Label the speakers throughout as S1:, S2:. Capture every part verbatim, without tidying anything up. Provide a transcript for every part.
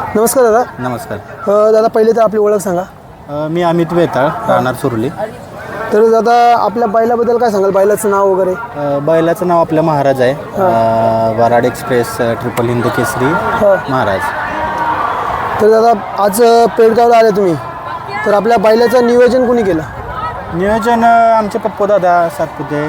S1: नमस्कार दादा.
S2: नमस्कार.
S1: अ, दादा पहिले तर आपली ओळख सांगा.
S2: अ, मी अमित वेताळ, राहणार सुरली.
S1: तर दादा आपल्या बैलाबद्दल काय सांगाल, बैलाचं नाव वगैरे?
S2: अ, बैलाचं नाव आपल्या महाराज आहे. अ, वराड एक्सप्रेस अ, ट्रिपल हिंद केसरी महाराज.
S1: तर दादा आज पेडगावला आले तुम्ही, तर आपल्या बैलाचं नियोजन कोणी केलं?
S2: नियोजन अ, आमचे पप्पू दादा सातपुते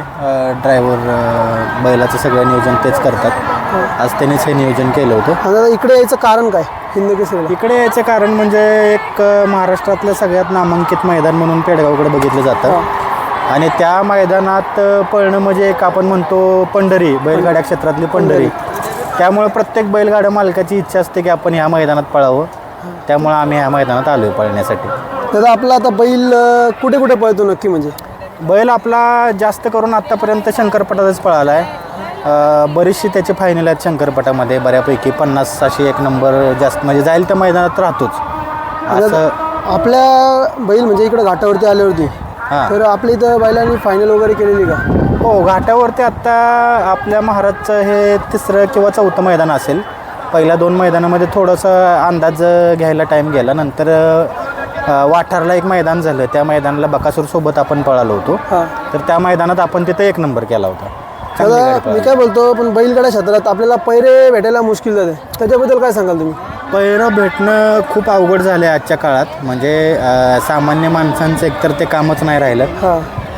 S2: ड्रायव्हर, बैलाचं सगळं नियोजन तेच करतात. आज त्यांनीच हे नियोजन केलं होतं.
S1: आणि दादा इकडे यायचं कारण काय हिंद केसरीला?
S2: इकडे यायचं कारण म्हणजे एक अ, महाराष्ट्रातलं सगळ्यात नामांकित मैदान म्हणून पेडगावकडे बघितलं जातं. आणि त्या मैदानात अ, पळणं म्हणजे एक आपण म्हणतो पंढरी, बैलगाड्या क्षेत्रातली पंढरी. त्यामुळे प्रत्येक बैलगाड्या मालकाची इच्छा असते की आपण ह्या मैदानात पळावं. त्यामुळे आम्ही ह्या मैदानात आलो आहे पळण्यासाठी.
S1: दादा आपला आता बैल अ, कुठे कुठे पळतो नक्की? म्हणजे
S2: बैल आपला जास्त करून आत्तापर्यंत शंकरपटातच पळाला आहे. बरीचशी त्याची फायनल आहेत शंकरपटामध्ये, बऱ्यापैकी पन्नास अशी एक नंबर जास्त म्हणजे जाईल त्या मैदानात राहतोच असं.
S1: आपल्या बैल म्हणजे इकडे घाटावरती आल्यावरती
S2: हां,
S1: तर आपल्या इथं बैलांनी फायनल वगैरे केलेली का?
S2: हो, घाटावरती आत्ता आपल्या महाराजचं हे तिसरं किंवा चौथं मैदान असेल. पहिल्या दोन मैदानामध्ये थोडंसं अंदाज घ्यायला टाईम गेला. नंतर वाठारला एक मैदान झालं, त्या मैदानाला बकासूरसोबत आपण पळालो होतो.
S1: हां,
S2: तर त्या मैदानात आपण तिथे एक नंबर केला होता.
S1: दादा मी काय बोलतो, पण बैलगाड्या क्षेत्रात आपल्याला पैरे भेटायला मुश्किल जाते, त्याच्याबद्दल काय सांगाल तुम्ही?
S2: पैरं भेटणं खूप अवघड झालं आहे आजच्या काळात. म्हणजे अ, सामान्य माणसांचं एकतर ते कामच नाही राहिलं.
S1: हां,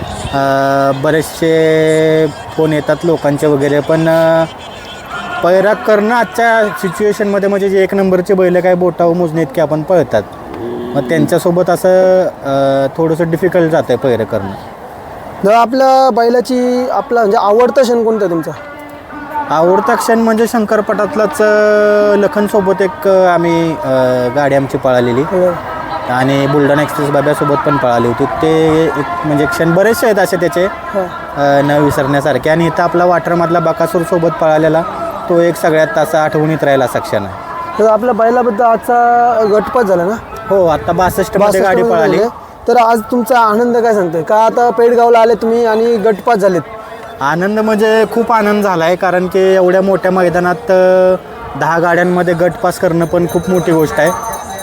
S2: अ, बरेचसे फोन येतात लोकांचे वगैरे, पण अ, पैरा करणं आजच्या सिच्युएशनमध्ये म्हणजे जे एक नंबरचे बैल काय बोटावर मोजणे इतके आपण पळतात, मग त्यांच्यासोबत असं अ, थोडंसं डिफिकल्ट जातं आहे पैरं करणं.
S1: दादा आपल्या बैलाची आपला म्हणजे आवडता क्षण कोणता तुमचा?
S2: आवडता क्षण म्हणजे शंकरपटातलाच अ, लखनसोबत एक अ, आम्ही अ, गाडी आमची पळालेली आणि बुलढाणा एक्सप्रेस बाब्यासोबत पण पळाली होती. ते एक म्हणजे क्षण बरेचसे आहेत असे त्याचे
S1: हां,
S2: अ, न विसरण्यासारखे. आणि इथं आपला वाटरमधला बकासूरसोबत पळालेला तो एक सगळ्यात असा आठवणीत राहिला असा क्षण आहे.
S1: तर आपल्या बैलाबद्दल आजचा गटपात झाला ना?
S2: हो, आता बासष्टमध्ये गाडी पळाली.
S1: तर आज तुमचा आनंद काय सांगतोय का? आता पेडगावला आले तुम्ही आणि गटपात झालेत.
S2: आनंद म्हणजे खूप आनंद झाला आहे, कारण की एवढ्या मोठ्या मैदानात अ, दहा गाड्यांमध्ये गट पास करणं पण खूप मोठी गोष्ट आहे.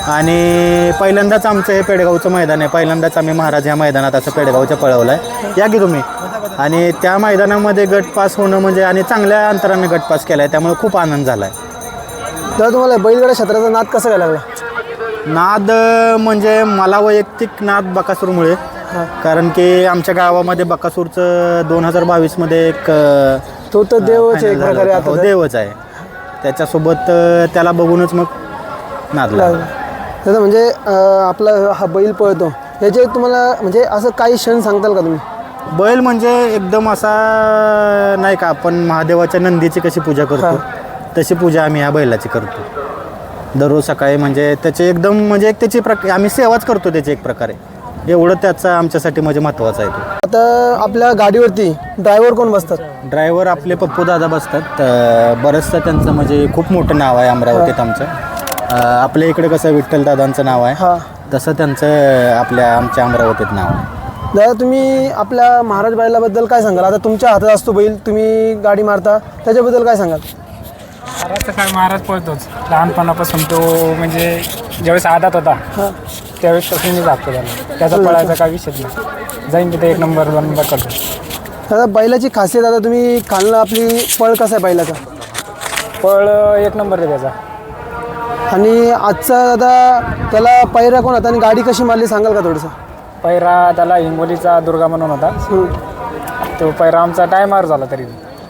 S2: आणि पहिल्यांदाच आमचं हे पेडगावचं मैदान आहे. पहिल्यांदाच आम्ही महाराज ह्या मैदानात असं पेडगावचं पळवलं आहे. या की तुम्ही. आणि त्या मैदानामध्ये गट पास होणं म्हणजे आणि चांगल्या अंतराने गट पास केला आहे, त्यामुळे खूप आनंद झाला आहे.
S1: तर तुम्हाला बैलगाड्या क्षेत्राचा नाद कसा काय लागला?
S2: नाद अ, म्हणजे मला वैयक्तिक नाद बकासूरमुळे. कारण की आमच्या गावामध्ये बकासूरचं दोन हजार बावीसमध्ये एक अ,
S1: तो तर देवच आहे एक
S2: final
S1: प्रकारे.
S2: झालं होतं.
S1: आता
S2: हो, देवच आहे. त्याच्यासोबत अ, त्याला बघूनच मग नाद लागला.
S1: दादा म्हणजे अ, आपला हा बैल पळतो याचे तुम्हाला म्हणजे असं काही क्षण सांगताल का तुम्ही?
S2: बैल म्हणजे एकदम असा नाही का, आपण महादेवाच्या नंदीची कशी पूजा करतो तशी पूजा आम्ही ह्या बैलाची करतो दररोज सकाळी. म्हणजे त्याचे एकदम म्हणजे एक त्याची प्रक आम्ही सेवाच करतो त्याची एक प्रकारे. एवढं त्याचा आमच्यासाठी म्हणजे महत्त्वाचं आहे तो.
S1: आता आपल्या गाडीवरती ड्रायव्हर कोण बसतात?
S2: ड्रायव्हर आपले पप्पू दादा बसतात. अ, बरंचसं त्यांचं म्हणजे खूप मोठं नाव आहे अमरावतीत आमचं. अ, आपल्या इकडे कसं विठ्ठल दादांचं नाव आहे,
S1: हां,
S2: तसं त्यांचं आपल्या आमच्या अमरावतीत नाव आहे.
S1: दादा तुम्ही आपल्या महाराज बैलाबद्दल काय सांगाल? आता तुमच्या हातात असतो बैल, तुम्ही गाडी मारता, त्याच्याबद्दल काय सांगाल?
S3: महाराजचा काय महाराज पळतोच लहानपणापासून. तो म्हणजे ज्यावेळेस आदात होता
S1: हां,
S3: त्यावेळेसपासून मी जागतो त्याला. त्याचा पळायचा काय विषयच नाही. जाईन तिथे एक नंबर दोन नंबर करतो.
S1: दादा बैलाची खासियत, आता तुम्ही खालनं आपली पळ कसा आहे बैलाचा?
S3: पळ एक नंबर आहे त्याचा.
S1: आणि आजचा दादा त्याला पैरा कोण होता आणि गाडी कशी मारली सांगाल का थोडंसं?
S3: पैरा त्याला हिंगोलीचा दुर्गा म्हणून होता. तो पैरा आमचा टायमावर झाला, तरी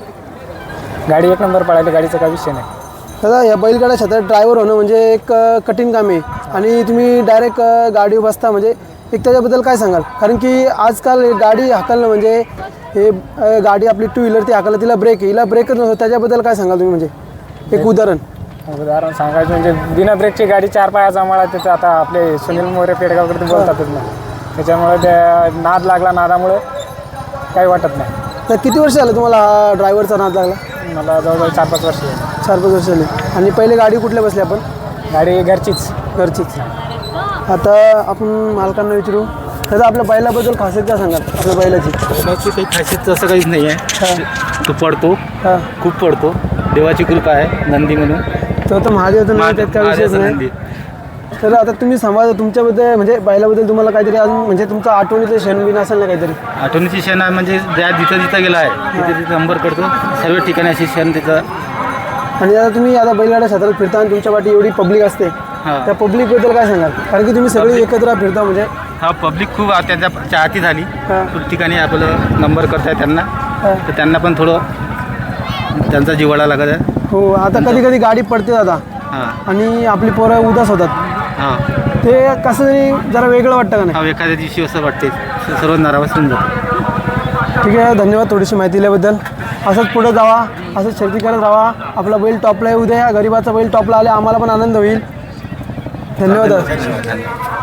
S3: गाडी एक नंबर पळायली. गाडीचा काय विषय नाही.
S1: दादा या बैलगाड्या क्षेत्रात ड्रायव्हर होणं म्हणजे एक अ, कठीण काम आहे आणि तुम्ही डायरेक्ट गाडी बसता, म्हणजे एक त्याच्याबद्दल काय सांगाल? कारण की आजकाल गाडी हाकलणं म्हणजे हे अ, गाडी आपली टू व्हीलर ती हाकलणं, तिला ब्रेक आहे, हिला ब्रेकच नसतो, त्याच्याबद्दल काय सांगाल तुम्ही? म्हणजे एक उदाहरण
S3: उदाहरण सांगायचं म्हणजे बिना ब्रेकची गाडी चार पायाचा मळा. तिथं आता आपले सुनील मोरे पेडगावकडे बोलतातच ना, त्याच्यामुळे त्या नाद लागला. नादामुळे काही वाटत नाही.
S1: तर किती वर्ष झालं तुम्हाला हा ड्रायव्हरचा नाद लागला?
S3: मला जवळजवळ चार पाच वर्ष झाली.
S1: चार पाच वर्ष झाली. आणि पहिले गाडी कुठल्या बसली आपण?
S3: गाडी घरचीच.
S1: घरचीच. आता आपण मालकांना विचारू. दादा आपल्या बैलाबद्दल खासियत काय सांगाल आपल्या बैलाची?
S4: बैलाची काही खासियत असं काहीच नाही आहे. तो पडतो,
S1: हां,
S4: खूप पडतो. देवाची कृपा आहे, नंदी म्हणून
S1: तो तर महादेव तर नाही, त्यात काय विषयच नाही. तर आता तुम्ही सांगा तुमच्याबद्दल म्हणजे बैलाबद्दल तुम्हाला काहीतरी अजून म्हणजे तुमचा आठवणीचं क्षण बिन असेल ना काहीतरी.
S4: आठवणीची क्षण आहे म्हणजे ज्या जिथं जिथं गेला आहे तिथे तिथे नंबर करतो सर्व ठिकाणी अशी क्षण त्याचा.
S1: आणि आता तुम्ही आता बैलगाड्या क्षेत्रात फिरता आणि तुमच्या पाठी एवढी पब्लिक असते,
S4: हां.
S1: त्या पब्लिकबद्दल काय सांगाल? कारण की तुम्ही सगळे एकत्र फिरता म्हणजे.
S4: हा पब्लिक खूप आ- त्यांच्या चाहती झाली.
S1: हां.
S4: खूप ठिकाणी आपलं नंबर करताय त्यांना,
S1: हां.
S4: तर त्यांना पण थोडं त्यांचा जिव्हाळा लागत आहे.
S1: हो, आता कधी कधी गाडी पडते दादा
S4: हां
S1: आणि आपली पोरं उदास होतात,
S4: हां
S1: ते कसं तरी जरा वेगळं वाटतं का नाही?
S4: हा एखाद्या दिवशी असं वाटते सर्व नाराज होऊन जातं.
S1: ठीक आहे, धन्यवाद थोडीशी माहिती दिल्याबद्दल. असंच पुढे जावा, असंच शर्ती करत राहा. आपला बैल टॉपला येऊ द्या, गरीबाचा बैल टॉपला आले आम्हाला पण आनंद होईल. धन्यवाद.
S4: धन्यवाद.